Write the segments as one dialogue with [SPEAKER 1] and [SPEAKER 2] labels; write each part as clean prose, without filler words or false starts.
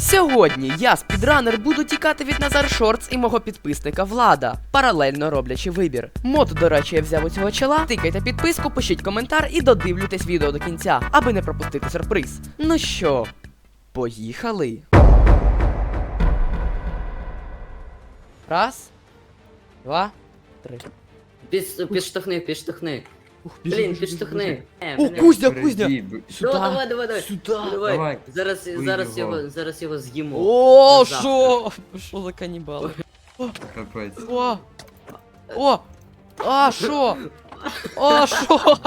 [SPEAKER 1] Сьогодні я, спідранер, буду тікати від Назар Шортс і мого підписника Влада, паралельно роблячи вибір. Мод, до речі, я взяв у цього чола. Тикайте підписку, пишіть коментар і додивлюйтесь відео до кінця, аби не пропустити сюрприз. Ну що, поїхали. Раз, два, три.
[SPEAKER 2] Підштовхни.
[SPEAKER 1] Ух,
[SPEAKER 2] Блін, підштовхни.
[SPEAKER 1] О, кузня! Сюди.
[SPEAKER 2] Давай.
[SPEAKER 1] Сюди.
[SPEAKER 2] Давай.
[SPEAKER 3] Давай.
[SPEAKER 2] Зараз його з'їмо.
[SPEAKER 1] О,
[SPEAKER 2] Завтра.
[SPEAKER 1] що за канібали?
[SPEAKER 3] Капець.
[SPEAKER 1] О! А, що? А, що?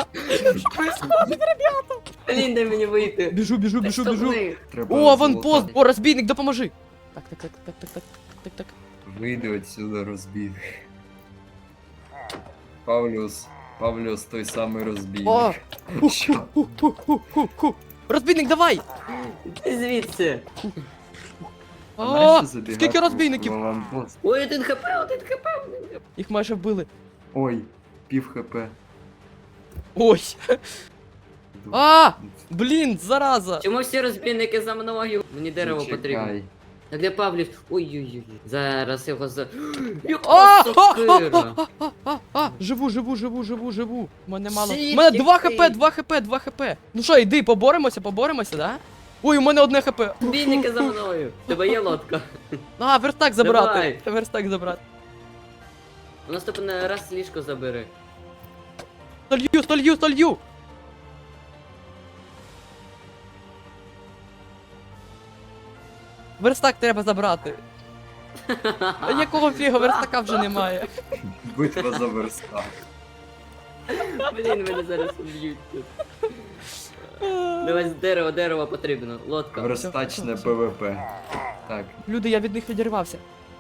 [SPEAKER 2] Блін, дай мені вийти.
[SPEAKER 1] Біжу.
[SPEAKER 2] Підштовхни.
[SPEAKER 3] Треба
[SPEAKER 1] О, аванпост!
[SPEAKER 3] золота.
[SPEAKER 1] О, розбійник, допоможи! Так.
[SPEAKER 3] Вийди отсюда, розбійник. Павлюс той самий
[SPEAKER 1] О!
[SPEAKER 3] розбійник. Що?
[SPEAKER 1] Розбійник, давай!
[SPEAKER 2] Ти звідси.
[SPEAKER 3] А
[SPEAKER 1] О,
[SPEAKER 3] нащо забігати
[SPEAKER 1] скільки
[SPEAKER 3] в
[SPEAKER 1] розбійників?
[SPEAKER 3] аванпост?
[SPEAKER 2] Ой, один хп.
[SPEAKER 1] Їх майже вбили.
[SPEAKER 3] Ой, пів хп.
[SPEAKER 1] Ой! А! Блін, зараза!
[SPEAKER 2] Чому всі розбійники за мною? Мені дерево
[SPEAKER 3] Чекай.
[SPEAKER 2] потрібно. А де Павлів? Ой. Зараз його за...
[SPEAKER 1] А!
[SPEAKER 2] Яка сокира.
[SPEAKER 1] Живу. У мене мало. У
[SPEAKER 2] Звідки
[SPEAKER 1] мене 2
[SPEAKER 2] ти?
[SPEAKER 1] хп. Ну що, йди, поборемося, да? Ой, у мене 1 хп.
[SPEAKER 2] Розбійники за мною. У тебе є лодка.
[SPEAKER 1] А, верстак забрати.
[SPEAKER 2] Давай.
[SPEAKER 1] Верстак забрати.
[SPEAKER 2] У наступний раз ліжко забери.
[SPEAKER 1] Столью. Верстак треба забрати. А якого фіга, верстака вже немає.
[SPEAKER 3] Битва за верстак.
[SPEAKER 2] Блін, мене зараз уб'ють тут. Давай з дерева потрібно. Лодка.
[SPEAKER 3] Верстачне ПВП. Так,
[SPEAKER 1] Люди, я від них відірвався.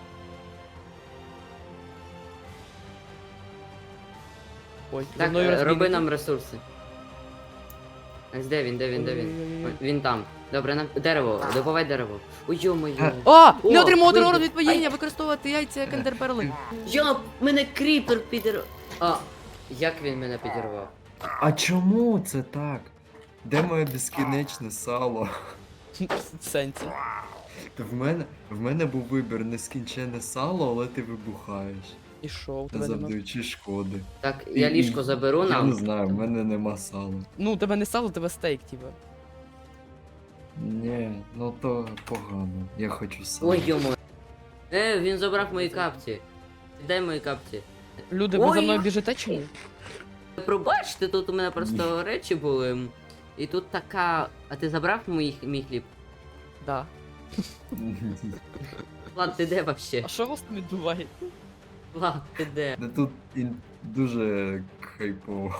[SPEAKER 1] Ой, за
[SPEAKER 2] Так,
[SPEAKER 1] мною
[SPEAKER 2] роби
[SPEAKER 1] розбійники.
[SPEAKER 2] нам ресурси. Так, де він?
[SPEAKER 1] Ой-ой-ой.
[SPEAKER 2] Ой, він там. Добре, нам дерево, добувай дерево. Ой, йо-моє.
[SPEAKER 1] А! Не
[SPEAKER 2] О,
[SPEAKER 1] отримав
[SPEAKER 2] вийде.
[SPEAKER 1] урон від падіння, використовувати яйця як ендерперли.
[SPEAKER 2] Йоп, мене кріпер підірвав. А, як він мене підірвав?
[SPEAKER 3] а чому це так? Де моє безкінечне сало?
[SPEAKER 1] В сенсі.
[SPEAKER 3] В мене був вибір нескінчене сало, але ти вибухаєш,
[SPEAKER 1] І що, у
[SPEAKER 3] не
[SPEAKER 1] тебе нема?
[SPEAKER 3] завдаючи шкоди.
[SPEAKER 2] Так, я ліжко заберу
[SPEAKER 3] Я не
[SPEAKER 2] нам.
[SPEAKER 3] знаю, в мене нема сала.
[SPEAKER 1] Ну, у тебе не сало, у тебе стейк, типа.
[SPEAKER 3] Ні, ну то погано. Я хочу сало.
[SPEAKER 2] Ой, йомо. Він забрав мої капці. Дай мої капці.
[SPEAKER 1] Люди, ви за
[SPEAKER 2] Ой.
[SPEAKER 1] мною біжите чи ні?
[SPEAKER 2] Пробачте, тут у мене просто речі були. І тут така. А ти забрав мій хліб?
[SPEAKER 1] Да.
[SPEAKER 2] Влад, ти де вообще?
[SPEAKER 1] А що у вас там відбувається?
[SPEAKER 2] Влад, ти де?
[SPEAKER 3] Ну тут дуже хайпово.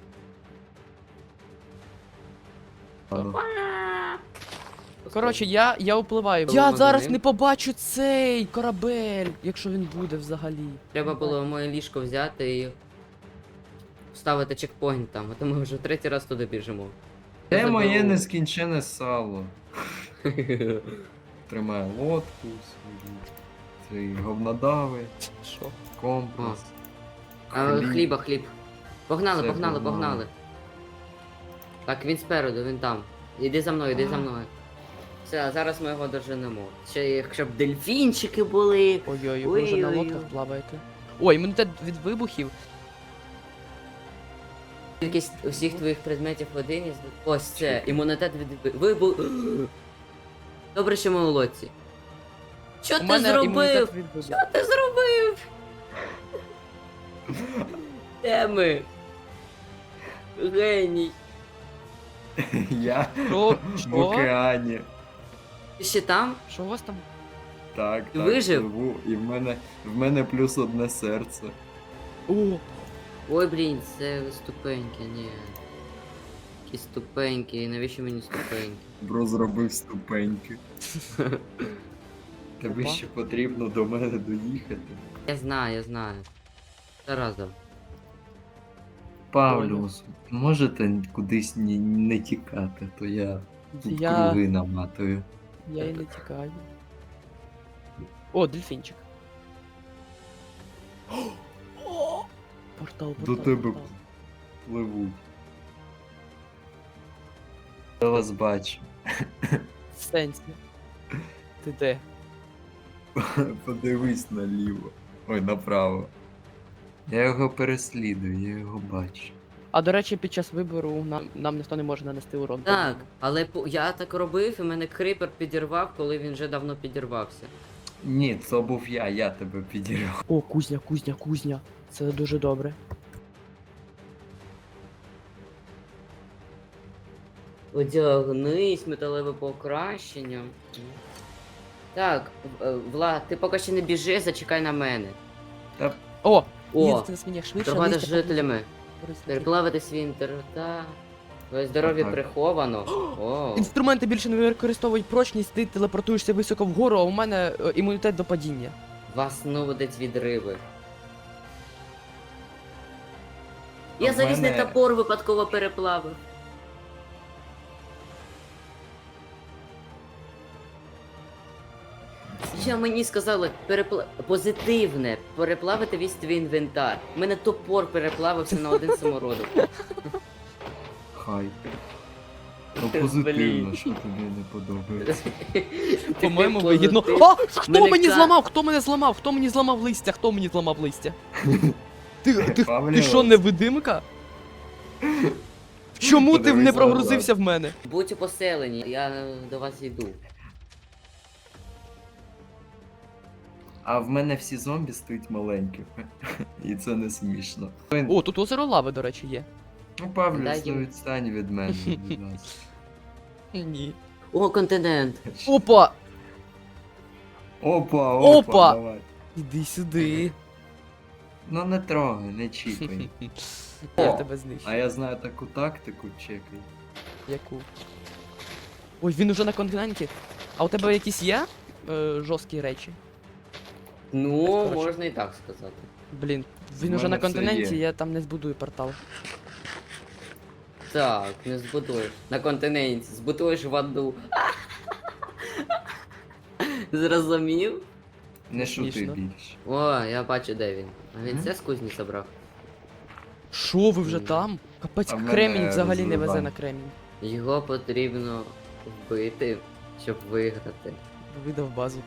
[SPEAKER 3] Ладно.
[SPEAKER 1] Коротше, я впливаю.
[SPEAKER 2] Коли
[SPEAKER 1] Я
[SPEAKER 2] ми
[SPEAKER 1] зараз
[SPEAKER 2] за ним?
[SPEAKER 1] не побачу цей корабель, якщо він буде взагалі.
[SPEAKER 2] Треба було моє ліжко взяти і вставити чекпоінт там, а то ми вже третій раз туди біжимо.
[SPEAKER 3] Де
[SPEAKER 2] Я
[SPEAKER 3] моє
[SPEAKER 2] заберу.
[SPEAKER 3] нескінчене сало? Тримаю лодку свою. Цей говнодави,
[SPEAKER 1] Що?
[SPEAKER 3] компас.
[SPEAKER 2] А, хліб. Погнали,
[SPEAKER 3] Все,
[SPEAKER 2] погнали.
[SPEAKER 3] погнали.
[SPEAKER 2] Так, він спереду, він там. Іди за мною. Все, а зараз ми його доженемо. Ще якщо б дельфінчики були.
[SPEAKER 1] Ой-ой, ви вже на
[SPEAKER 2] Ой-ой-ой.
[SPEAKER 1] лодках плаваєте. Ой, імунітет від вибухів.
[SPEAKER 2] Кількість усіх твоїх предметів в один із... Ось це, імунітет від вибух. Добре, що ми у лодці. Що
[SPEAKER 1] У
[SPEAKER 2] ти
[SPEAKER 1] мене
[SPEAKER 2] зробив?
[SPEAKER 1] імунітет від вибухів.
[SPEAKER 2] Що ти зробив? Де ми? Геній.
[SPEAKER 3] Я
[SPEAKER 1] Що?
[SPEAKER 3] в
[SPEAKER 1] Що?
[SPEAKER 3] океані.
[SPEAKER 2] Ти ще там?
[SPEAKER 1] Що у вас там?
[SPEAKER 3] Так,
[SPEAKER 2] Ти
[SPEAKER 3] так,
[SPEAKER 2] вижив?
[SPEAKER 3] пливу. І в мене плюс одне серце.
[SPEAKER 1] О,
[SPEAKER 2] Ой, блін, це ступеньки, ні. Які ступеньки, навіщо мені ступеньки?
[SPEAKER 3] Бро зробив ступеньки. Тобі
[SPEAKER 1] Опа.
[SPEAKER 3] ще потрібно до мене доїхати.
[SPEAKER 2] Я знаю. Заразом.
[SPEAKER 3] Павлюс, можете кудись не тікати, то я тут
[SPEAKER 1] Я
[SPEAKER 3] круги наматую.
[SPEAKER 1] і не тікаю. О, дельфінчик. О! Портал.
[SPEAKER 3] До тебе пливуть. Я вас бачу.
[SPEAKER 1] В сенсі. Ти де?
[SPEAKER 3] Подивись наліво. Ой, направо. Я його переслідую, я його бачу.
[SPEAKER 1] А до речі, під час вибору нам ніхто не може нанести урон.
[SPEAKER 2] Так, але я так робив, і мене крипер підірвав, коли він вже давно підірвався.
[SPEAKER 3] Ні, це був я тебе підірвав.
[SPEAKER 1] О, кузня, кузня, кузня. Це дуже добре.
[SPEAKER 2] Одягнись, металеве покращення. Так, Влад, ти поки ще не біжи, зачекай на мене.
[SPEAKER 3] Та
[SPEAKER 1] О!
[SPEAKER 2] О,
[SPEAKER 1] Їздити на свинях швидше,
[SPEAKER 2] торгувати з
[SPEAKER 1] листя
[SPEAKER 2] жителями.
[SPEAKER 1] поблизу.
[SPEAKER 2] Переплавити свій інтерта. Твоє здоров'я
[SPEAKER 3] Отак.
[SPEAKER 2] приховано. О.
[SPEAKER 1] Інструменти більше не використовують прочність, ти телепортуєшся високо вгору, а у мене імунітет до падіння.
[SPEAKER 2] Вас нудить від риби.
[SPEAKER 3] А
[SPEAKER 2] Я
[SPEAKER 3] в
[SPEAKER 2] залізний
[SPEAKER 3] мене-
[SPEAKER 2] топор випадково переплавив. Я мені сказали позитивне, переплавити весь твій інвентар. У мене топор переплавився на один самородок.
[SPEAKER 3] хай. Ну
[SPEAKER 2] Блін.
[SPEAKER 3] позитивно, що тобі не подобається.
[SPEAKER 1] По-моєму,
[SPEAKER 2] Ти
[SPEAKER 1] вигідно.
[SPEAKER 2] позитив.
[SPEAKER 1] А! Хто
[SPEAKER 2] Мене
[SPEAKER 1] мені
[SPEAKER 2] ка-
[SPEAKER 1] зламав? Хто мене зламав? Хто мені зламав листя? Хто мені зламав листя? Ти
[SPEAKER 3] Павло.
[SPEAKER 1] що, невидимка? Чому ти
[SPEAKER 3] Подивись
[SPEAKER 1] не
[SPEAKER 3] на
[SPEAKER 1] прогрузився в мене?
[SPEAKER 2] Будь у поселенні, я до вас йду.
[SPEAKER 3] А в мене всі зомбі стоять маленькі. І це не смішно.
[SPEAKER 1] О, тут озеро лави, до речі, є.
[SPEAKER 3] Ну, Павлю,
[SPEAKER 2] Дай їм.
[SPEAKER 3] відстань від мене, будь ласка.
[SPEAKER 1] Ні.
[SPEAKER 2] О, континент.
[SPEAKER 1] Опа!
[SPEAKER 3] Опа,
[SPEAKER 1] Опа!
[SPEAKER 3] опа, давай.
[SPEAKER 1] Іди сюди.
[SPEAKER 3] Ну не трогай, не чіпай.
[SPEAKER 1] Я
[SPEAKER 3] О,
[SPEAKER 1] тебе знищу.
[SPEAKER 3] А я знаю таку тактику, чекай.
[SPEAKER 1] Яку? Ой, він уже на континенті. А у тебе якісь є жорсткі речі?
[SPEAKER 2] Ну,
[SPEAKER 1] Коротше.
[SPEAKER 2] можна і так сказати.
[SPEAKER 1] Блін, він
[SPEAKER 3] В
[SPEAKER 1] уже на
[SPEAKER 3] мене все
[SPEAKER 1] континенті,
[SPEAKER 3] є.
[SPEAKER 1] я там не збудую портал.
[SPEAKER 2] Так, не збудуєш. На континенті, збудуєш в аду. Зрозумів?
[SPEAKER 3] Не шути
[SPEAKER 1] Смішно.
[SPEAKER 3] більше.
[SPEAKER 2] О, я бачу, де він. А він
[SPEAKER 3] Мгм.
[SPEAKER 2] це з кузні забрав.
[SPEAKER 1] Шо, ви вже
[SPEAKER 2] Ні.
[SPEAKER 1] там? Капець,
[SPEAKER 3] А в мене
[SPEAKER 1] кремінь взагалі не везе
[SPEAKER 3] розривань.
[SPEAKER 1] на кремінь.
[SPEAKER 2] Його потрібно вбити, щоб виграти.
[SPEAKER 1] Видав базу.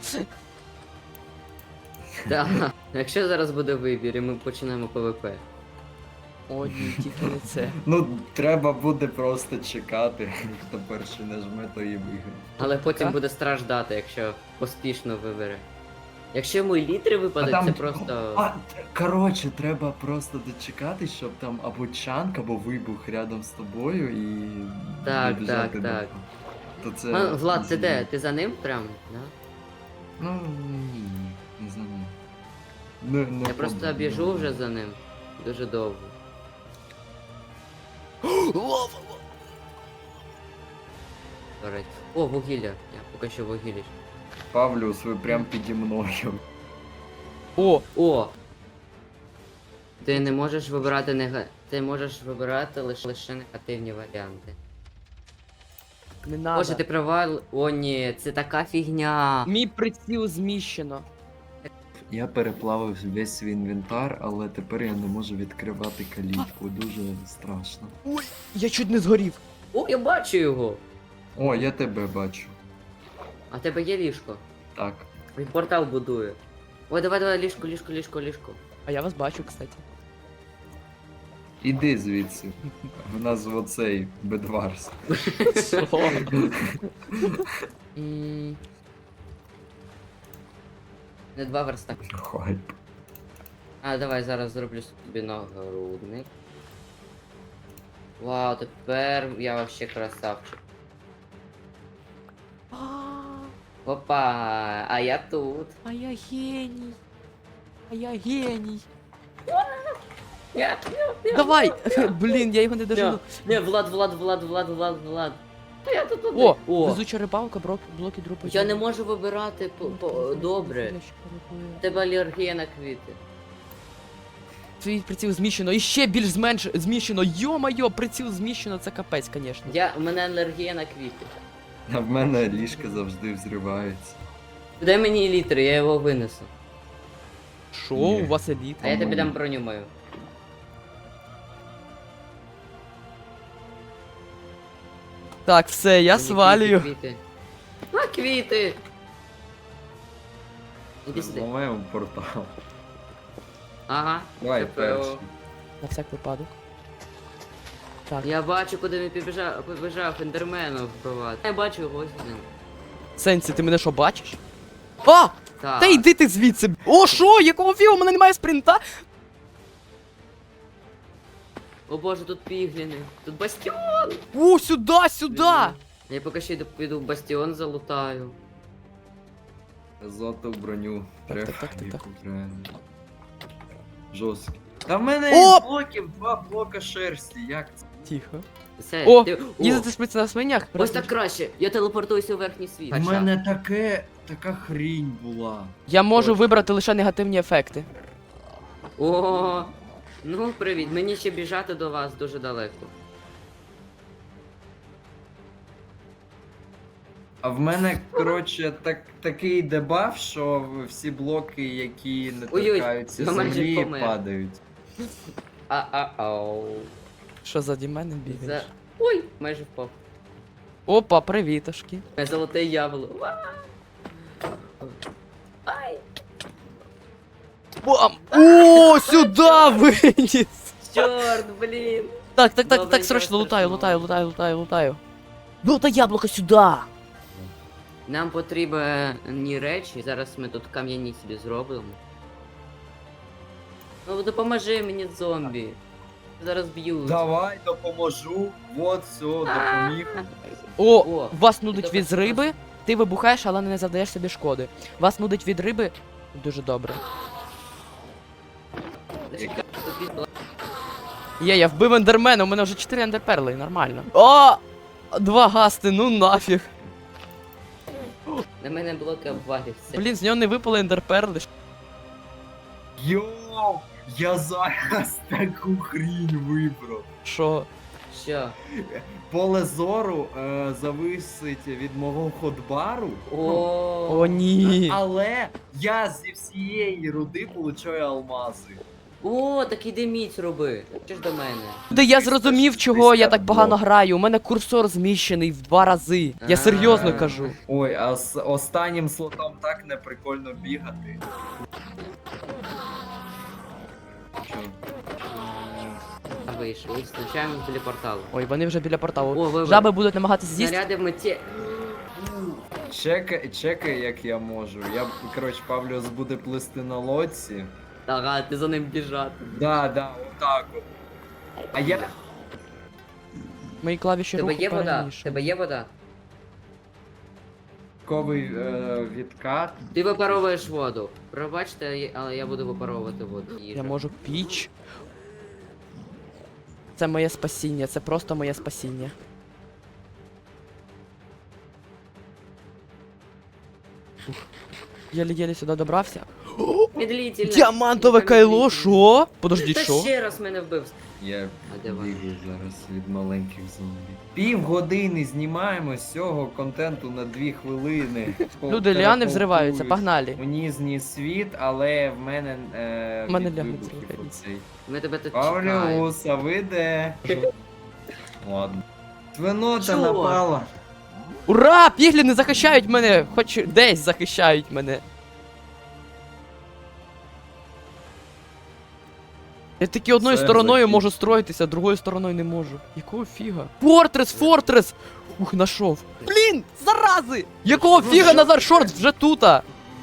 [SPEAKER 2] Так, якщо зараз буде вибір і ми починаємо ПВП.
[SPEAKER 1] О, ні, тільки не це.
[SPEAKER 3] Ну, треба буде просто чекати. Хто перший нажме, то і виграє.
[SPEAKER 2] Але потім
[SPEAKER 1] Так.
[SPEAKER 2] буде страждати, якщо поспішно вибере. Якщо йому літри випадуть, це просто.
[SPEAKER 3] Коротше, треба просто дочекати, щоб там або чанк, або вибух рядом з тобою і.
[SPEAKER 2] Так,
[SPEAKER 3] добіжати
[SPEAKER 2] так,
[SPEAKER 3] до-
[SPEAKER 2] так.
[SPEAKER 3] То це.
[SPEAKER 2] А, Влад, ти
[SPEAKER 3] ізі.
[SPEAKER 2] де? Ти за ним прям? Да?
[SPEAKER 3] Ну, ні, не знаю. Не
[SPEAKER 2] Я просто
[SPEAKER 3] подобно.
[SPEAKER 2] біжу вже за ним. Дуже довго. До речі. О, вугілля. Я поки що вугілля.
[SPEAKER 3] Павлюс, ви прям піді мною.
[SPEAKER 1] О,
[SPEAKER 2] О! Ти не можеш вибирати Ти можеш вибирати лише негативні варіанти.
[SPEAKER 1] не надо.
[SPEAKER 2] Боже, ти провал. О, ні, це така фігня.
[SPEAKER 1] Мій приціл зміщено.
[SPEAKER 3] Я переплавив весь свій інвентар, але тепер я не можу відкривати калітку. Дуже страшно.
[SPEAKER 1] Ой, я чуть не згорів.
[SPEAKER 2] О, я бачу його!
[SPEAKER 3] О, я тебе бачу.
[SPEAKER 2] А в тебе є ліжко?
[SPEAKER 3] Так.
[SPEAKER 2] Він портал будує. Ой, давай, ліжко.
[SPEAKER 1] А я вас бачу, кстати.
[SPEAKER 3] Іди звідси. В нас оцей бедварс.
[SPEAKER 1] Що? М,
[SPEAKER 2] Не 2 верста.
[SPEAKER 3] Хайп.
[SPEAKER 2] А, давай зараз зроблю собі нагрудник. Вау, тепер я вообще красавчик. Опа, а я тут.
[SPEAKER 1] А я геній. А я геній.
[SPEAKER 2] Я.
[SPEAKER 1] Давай! Блін, я його не дожену.
[SPEAKER 2] Не, Влад. Та я тут один.
[SPEAKER 1] О,
[SPEAKER 2] О,
[SPEAKER 1] везуча рибалка, блоки дропу.
[SPEAKER 2] я не можу вибирати добре. В тебе алергія на квіти.
[SPEAKER 1] Твій приціл зміщено, і ще більш зміщено. Йо-майо, приціл зміщено, це капець, звісно.
[SPEAKER 2] У мене алергія на квіти.
[SPEAKER 3] А в мене ліжка завжди взриваються.
[SPEAKER 2] Дай мені літри, я його винесу.
[SPEAKER 1] Шо,
[SPEAKER 3] Ні.
[SPEAKER 1] у вас еліт?
[SPEAKER 2] А я тобі дам броню мою.
[SPEAKER 1] Так, все, я
[SPEAKER 2] Мені
[SPEAKER 1] свалюю.
[SPEAKER 2] Квіти. А, квіти! Іди сюди.
[SPEAKER 3] Зламаємо портал.
[SPEAKER 2] Ага.
[SPEAKER 3] Давай
[SPEAKER 2] КПО.
[SPEAKER 3] перший.
[SPEAKER 1] На всяк випадок. Так.
[SPEAKER 2] Я бачу, куди він побіжав ендермену вбивати. Я бачу його ось він.
[SPEAKER 1] Сенсі, ти мене що бачиш? А!
[SPEAKER 2] Так.
[SPEAKER 1] Та йди ти звідси! О, що? Якого фіга? У мене немає спринта?
[SPEAKER 2] О боже, тут пігліни. Тут бастіон.
[SPEAKER 1] О, сюди, сюди!
[SPEAKER 2] Я поки ще піду в бастіон залутаю.
[SPEAKER 3] Золоту броню.
[SPEAKER 1] Так,
[SPEAKER 3] Треба
[SPEAKER 1] так, так, так,
[SPEAKER 3] яку реально. Жорсткий. Та в мене
[SPEAKER 1] О!
[SPEAKER 3] із блоків 2 блока шерсті, як це?
[SPEAKER 1] Тихо.
[SPEAKER 2] Все,
[SPEAKER 1] О,
[SPEAKER 2] ти...
[SPEAKER 1] їздити швидше на свинях?
[SPEAKER 2] Ось так краще. Я телепортуюся у верхній світ.
[SPEAKER 3] У мене така хрінь була.
[SPEAKER 1] Я можу
[SPEAKER 2] Точно.
[SPEAKER 1] вибрати лише негативні ефекти.
[SPEAKER 2] О, ну привіт. Мені ще біжати до вас дуже далеко.
[SPEAKER 3] А в мене, коротше, такий дебаф, що всі блоки, які не
[SPEAKER 2] Ой-ой,
[SPEAKER 3] торкаються
[SPEAKER 2] я майже
[SPEAKER 3] землі,
[SPEAKER 2] помер.
[SPEAKER 3] падають.
[SPEAKER 2] А-а-ау.
[SPEAKER 1] Що заді мене бігаєш?
[SPEAKER 2] Ой, майже впав.
[SPEAKER 1] Опа, привітошки.
[SPEAKER 2] Золоте яблуко. Ва! Ай!
[SPEAKER 1] Бам! О, сюди виніс!
[SPEAKER 2] Чорт, блін!
[SPEAKER 1] Так,
[SPEAKER 2] Добре,
[SPEAKER 1] срочно
[SPEAKER 2] нічого
[SPEAKER 1] лутаю. Ну та яблуко сюди!
[SPEAKER 2] Нам потрібні речі, зараз ми тут кам'яні собі зробимо. Ну допоможи мені, зомбі. Зараз б'ють.
[SPEAKER 3] Давай допоможу. Вот, все, допоміг.
[SPEAKER 1] О, вас нудить
[SPEAKER 2] добре,
[SPEAKER 1] від риби, ти вибухаєш, але не завдаєш собі шкоди. Вас нудить від риби, дуже добре.
[SPEAKER 2] Зачекай, тут від-
[SPEAKER 1] Є, я вбив ендермена, у мене вже 4 ендерперли, нормально. О! 2 гасти, ну нафіг.
[SPEAKER 2] На мене блоки обвалився.
[SPEAKER 1] Блін, з нього не випали ендерперли.
[SPEAKER 3] Йоу, я зараз таку хрінь вибрав.
[SPEAKER 1] Що?
[SPEAKER 2] Що?
[SPEAKER 3] Поле зору зависить від мого ходбару.
[SPEAKER 1] О, ні.
[SPEAKER 3] Але я зі всієї руди получаю алмази.
[SPEAKER 2] О, так іди міць роби. Чи ж до мене?
[SPEAKER 1] Де я зрозумів, чого я так погано граю. У мене курсор зміщений в 2 рази. Я серйозно кажу.
[SPEAKER 3] Ой, а з останнім слотом так не прикольно бігати. Що?
[SPEAKER 2] Вийшли, зустрічаємо біля порталу.
[SPEAKER 1] Ой, вони вже біля порталу.
[SPEAKER 2] О, вибор.
[SPEAKER 1] Жаби будуть намагатися з'їсти.
[SPEAKER 2] Снаряди в меті.
[SPEAKER 3] Чекай, як я можу. Я, коротше, Павлюс буде плисти на лодці.
[SPEAKER 2] Ага, ти за ним біжати.
[SPEAKER 3] Да, отак от. А я.
[SPEAKER 1] Мої клавіші
[SPEAKER 2] Тебе
[SPEAKER 1] руху
[SPEAKER 2] є вода?
[SPEAKER 1] перемішані.
[SPEAKER 2] Тебе є вода?
[SPEAKER 3] Ковий відкат.
[SPEAKER 2] Ти випаровуєш воду. Пробачте, але я буду випаровувати воду.
[SPEAKER 1] Я можу піч. Це моє спасіння, це просто моє спасіння. Ух. Єлі-єлі сюди добрався.
[SPEAKER 2] Медлительно.
[SPEAKER 1] Діамантове кайло, що? Подожди,
[SPEAKER 2] Та
[SPEAKER 1] що?
[SPEAKER 2] ще раз мене вбив.
[SPEAKER 3] Я
[SPEAKER 2] А де вона?
[SPEAKER 3] бігаю зараз від маленьких зомбі. Півгодини знімаємо з цього контенту на 2 хвилини.
[SPEAKER 1] Люди, ліани взриваються, погнали.
[SPEAKER 3] У нізні світ, але в мене
[SPEAKER 1] В мене
[SPEAKER 3] від
[SPEAKER 1] ляни
[SPEAKER 3] вибухів
[SPEAKER 1] взриваються.
[SPEAKER 3] оцей.
[SPEAKER 2] Ми тебе тут чекаємо.
[SPEAKER 3] Павлюс, а ви де? Ладно. Свинота
[SPEAKER 2] Чого?
[SPEAKER 3] напала.
[SPEAKER 1] Ура! Пігліни захищають мене! Хоч десь захищають мене. Я тільки одною
[SPEAKER 3] Все,
[SPEAKER 1] стороною
[SPEAKER 3] закінчено.
[SPEAKER 1] можу строїтися, другою стороною не можу. Якого фіга? Фортрес! Ух, нашов. Блін, зарази! Якого фіга Назар Шортс вже тута?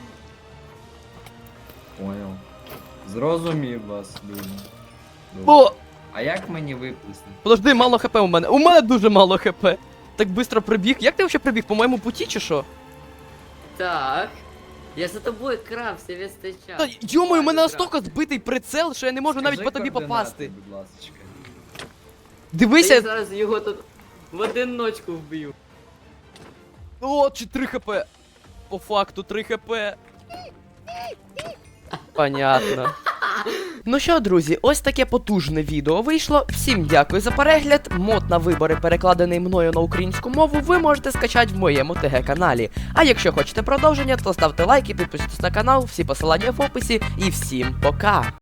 [SPEAKER 3] Понял. Зрозумів вас, люди. Добре.
[SPEAKER 1] О!
[SPEAKER 3] А як мені виплести?
[SPEAKER 1] Подожди, мало хп у мене. У мене дуже мало хп. Так быстро прибіг. Як ти взагалі прибіг? По моєму путі чи що?
[SPEAKER 2] Так. Я за тобою крався весь цей час.
[SPEAKER 1] Та йомою, у мене
[SPEAKER 2] Ладно,
[SPEAKER 1] настільки збитий прицел, що я не можу навіть
[SPEAKER 3] Скажи
[SPEAKER 1] по тобі
[SPEAKER 3] координати,
[SPEAKER 1] попасти.
[SPEAKER 3] Будь ласочка.
[SPEAKER 2] Я
[SPEAKER 1] Дивися.
[SPEAKER 2] зараз його тут в одиночку вб'ю.
[SPEAKER 1] О, чи 3 хп. По факту 3 хп. Понятно. Ну що, друзі, ось таке потужне відео вийшло. Всім дякую за перегляд. Мод на вибори, перекладений мною на українську мову, ви можете скачати в моєму ТГ-каналі. А якщо хочете продовження, то ставте лайк і підписуйтесь на канал, всі посилання в описі. І всім пока!